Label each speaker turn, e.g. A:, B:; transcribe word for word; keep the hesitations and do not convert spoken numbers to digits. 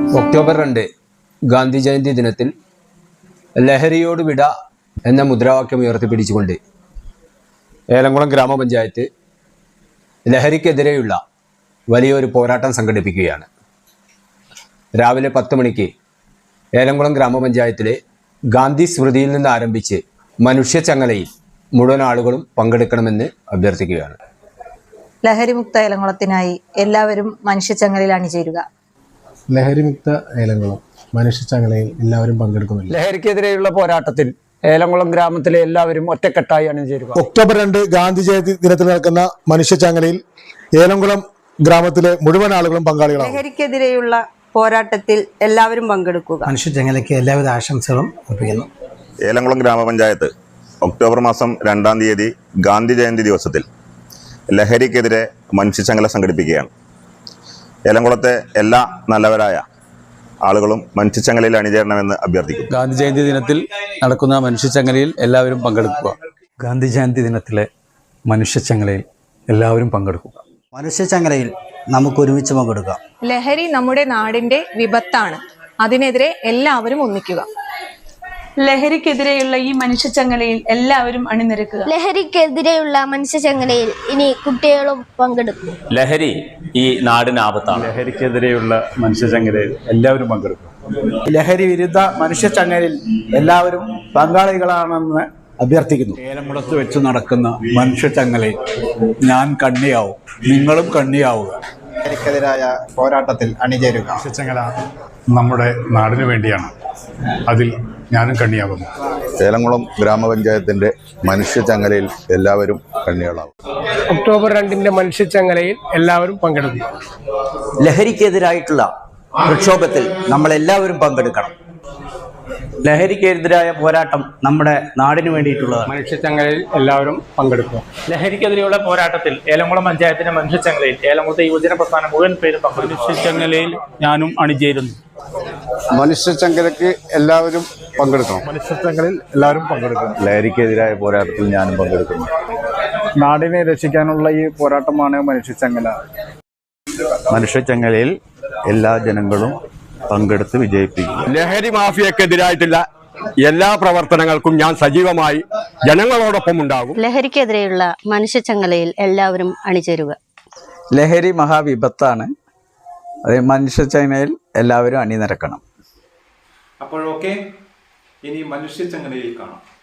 A: October രണ്ട് ഗാന്ധി ജയന്തി ദിനത്തിൽ ലഹരിയോട് വിട എന്ന മുദ്രാവാക്യം ഉയർത്തിപ്പിടിച്ചുകൊണ്ട് ഏലംകുളം ഗ്രാമപഞ്ചായത്ത് ലഹരിക്കെതിരെയുള്ള വലിയൊരു പോരാട്ടം സംഘടിപ്പിക്കുകയാണ്. രാവിലെ പത്ത് മണിക്ക് ഏലംകുളം ഗ്രാമപഞ്ചായത്തിലെ ഗാന്ധി സ്മൃതിയിൽ നിന്ന് ആരംഭിച്ച് മനുഷ്യച്ചങ്ങലയിൽ മുഴുവൻ ആളുകളും പങ്കെടുക്കണമെന്ന് അഭ്യർത്ഥിക്കുകയാണ്.
B: ലഹരിമുക്ത ഏലംകുളത്തിനായി എല്ലാവരും മനുഷ്യച്ചങ്ങലയിൽ അണിചേരുക.
C: ലഹരിമുക്ത ഏലംകുളം മനുഷ്യച്ചങ്ങലയിൽ എല്ലാവരും പങ്കെടുക്കുന്നില്ല.
D: ലഹരിക്കെതിരെയുള്ള പോരാട്ടത്തിൽ ഏലംകുളം ഗ്രാമത്തിലെ എല്ലാവരും ഒറ്റക്കെട്ടായി അണിചേരുക.
C: ഒക്ടോബർ രണ്ട് ഗാന്ധി ജയന്തി ദിനത്തിൽ നടക്കുന്ന മനുഷ്യച്ചങ്ങലയിൽ ഏലംകുളം ഗ്രാമത്തിലെ മുഴുവൻ ആളുകളും പങ്കാളികളാണ്.
E: ലഹരിക്കെതിരെയുള്ള പോരാട്ടത്തിൽ എല്ലാവരും പങ്കെടുക്കുക.
F: മനുഷ്യച്ചങ്ങലയ്ക്ക് എല്ലാവിധ ആശംസകളും അർപ്പിക്കുന്നു.
G: ഏലംകുളം ഗ്രാമപഞ്ചായത്ത് ഒക്ടോബർ മാസം രണ്ടാം തീയതി ഗാന്ധി ജയന്തി ദിവസത്തിൽ ലഹരിക്കെതിരെ മനുഷ്യച്ചങ്ങല സംഘടിപ്പിക്കുകയാണ്. ഏലംകുളത്തെ എല്ലാ നല്ലവരായ ആളുകളും മനുഷ്യച്ചങ്ങലയിൽ അണിചേരണമെന്ന് അഭ്യർത്ഥിക്കുന്നു.
H: ഗാന്ധി ജയന്തി ദിനത്തിൽ നടക്കുന്ന മനുഷ്യച്ചങ്ങലയിൽ എല്ലാവരും പങ്കെടുക്കുക.
I: ഗാന്ധി ജയന്തി ദിനത്തിലെ മനുഷ്യച്ചങ്ങലയിൽ എല്ലാവരും പങ്കെടുക്കുക.
F: മനുഷ്യച്ചങ്ങലയിൽ നമുക്ക് ഒരുമിച്ച് പങ്കെടുക്കാം.
J: ലഹരി നമ്മുടെ നാടിന്റെ വിപത്താണ്. അതിനെതിരെ എല്ലാവരും ഒന്നിക്കുക.
K: ലഹരിക്കെതിരെയുള്ള ഈ മനുഷ്യച്ചങ്ങലയിൽ എല്ലാവരും അണിനിരക്കുക.
L: ലഹരിക്കെതിരെയുള്ള മനുഷ്യച്ചങ്ങലയിൽ ഇനി കുട്ടികളും പങ്കെടുക്കും.
M: ലഹരി ഈ നാടിന് ആപത്താണ്.
H: ലഹരിക്കെതിരെയുള്ള മനുഷ്യച്ചങ്ങലയിൽ എല്ലാവരും പങ്കെടുക്കും.
D: ലഹരി വിരുദ്ധ മനുഷ്യച്ചങ്ങലയിൽ എല്ലാവരും പങ്കാളികളാണെന്ന് അഭ്യർത്ഥിക്കുന്നു.
I: ഏലംകുളത്ത് വെച്ച് നടക്കുന്ന മനുഷ്യച്ചങ്ങലയിൽ ഞാൻ കണ്ണിയാവും, നിങ്ങളും കണ്ണിയാവുക.
N: ലഹരിക്കെതിരായ പോരാട്ടത്തിൽ അണിചേരുക.
O: മനുഷ്യച്ചങ്ങല നമ്മുടെ നാടിനു വേണ്ടിയാണ്. അതിൽ ഞാനും കണ്ണിയാകുന്നു.
P: ഏലംകുളം ഗ്രാമപഞ്ചായത്തിന്റെ മനുഷ്യച്ചങ്ങലയിൽ എല്ലാവരും കണ്ണികളാവും.
Q: ഒക്ടോബർ രണ്ടിന്റെ മനുഷ്യച്ചങ്ങലയിൽ എല്ലാവരും പങ്കെടുക്കും.
R: ലഹരിക്കെതിരായിട്ടുള്ള പ്രക്ഷോഭത്തിൽ നമ്മൾ എല്ലാവരും പങ്കെടുക്കണം.
D: ലഹരിക്കെതിരായ പോരാട്ടം നമ്മുടെ നാടിനു വേണ്ടിയിട്ടുള്ളതാണ്.
Q: മനുഷ്യച്ചങ്ങലയിൽ എല്ലാവരും പങ്കെടുക്കും.
M: ലഹരിക്കെതിരെയുള്ള പോരാട്ടത്തിൽ ഏലംകുളം പഞ്ചായത്തിന്റെ മനുഷ്യച്ചങ്ങലയിൽ ഏലംകുളത്തെ യുവജന പ്രസ്ഥാനം മുഴുവൻ പേരും പങ്കെടുക്കും.
H: മനുഷ്യച്ചങ്ങലയിൽ ഞാനും അണിചേരുന്നു.
P: മനുഷ്യച്ചങ്ങലയ്ക്ക് എല്ലാവരും പങ്കെടുക്കണം.
C: മനുഷ്യച്ചങ്ങലയിൽ എല്ലാവരും പങ്കെടുക്കണം.
P: ലഹരിക്കെതിരായ പോരാട്ടത്തിൽ ഞാനും പങ്കെടുക്കുന്നു.
C: നാടിനെ രക്ഷിക്കാനുള്ള ഈ പോരാട്ടമാണ് മനുഷ്യച്ചങ്ങല.
P: മനുഷ്യച്ചങ്ങലയിൽ എല്ലാ ജനങ്ങളും പങ്കെടുത്ത് വിജയിപ്പിക്കുക.
S: ലഹരി മാഫിയക്കെതിരായിട്ടുള്ള എല്ലാ പ്രവർത്തനങ്ങൾക്കും ഞാൻ സജീവമായി ജനങ്ങളോടൊപ്പം ഉണ്ടാകും.
L: ലഹരിക്കെതിരെയുള്ള മനുഷ്യച്ചങ്ങലയിൽ എല്ലാവരും അണിചേരുക.
D: ലഹരി മഹാവിപത്താണ്. അതേ മനുഷ്യച്ചങ്ങലയിൽ എല്ലാവരും അണിനിരക്കണം.
O: അപ്പോഴൊക്കെ ഇനി മനുഷ്യച്ചങ്ങലയിൽ കാണാം.